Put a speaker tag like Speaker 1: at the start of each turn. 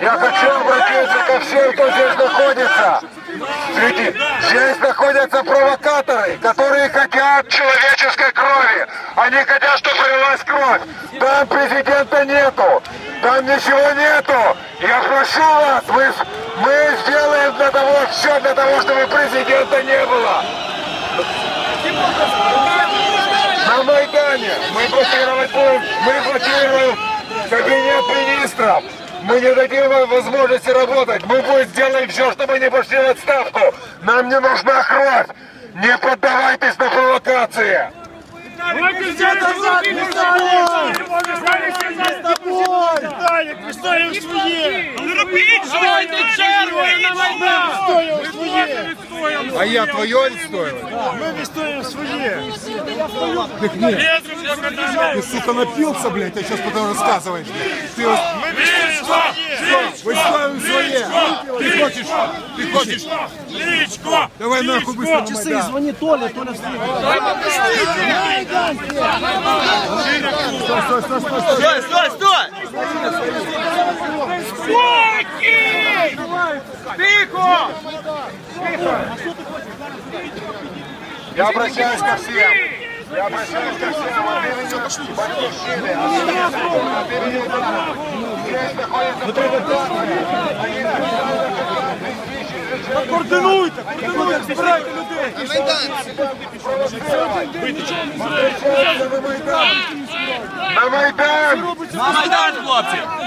Speaker 1: Я хочу обратиться ко всем, кто здесь находится. Смотрите, здесь находятся провокаторы, которые хотят человеческой крови. Они хотят, чтобы пролилась кровь. Там президента нету. Там ничего нету. Я прошу вас, мы сделаем все для того, чтобы президента не было. На Майдане мы блокируем кабинет министров. Мы не дадим вам возможности работать. Мы будем сделаем все, чтобы не пошли в отставку. Нам не нужна кровь. Не поддавайтесь на провокации.
Speaker 2: А я твое відстоював?
Speaker 3: Мы відстоюємо своє.
Speaker 2: Так нет. Ты, сука, напился, блядь, а сейчас потом рассказываешь. Ты вот...
Speaker 3: Мы відстоюємо своє.
Speaker 2: Выставим своє. Ты хочешь?
Speaker 3: Личко!
Speaker 2: Давай нахуй быстро на
Speaker 4: Часы,
Speaker 2: Майдан.
Speaker 4: звони Толя встретит.
Speaker 5: Стой!
Speaker 3: Спокій! Тихо!
Speaker 1: Я обращаюсь ко всем. Я обращаюсь ко всем. От имени Батьківщини. От имени народа. Здесь находится провокация. Они
Speaker 3: Координуйте, збирайте людей!
Speaker 1: на Майдан!
Speaker 5: На Майдан, хлопці!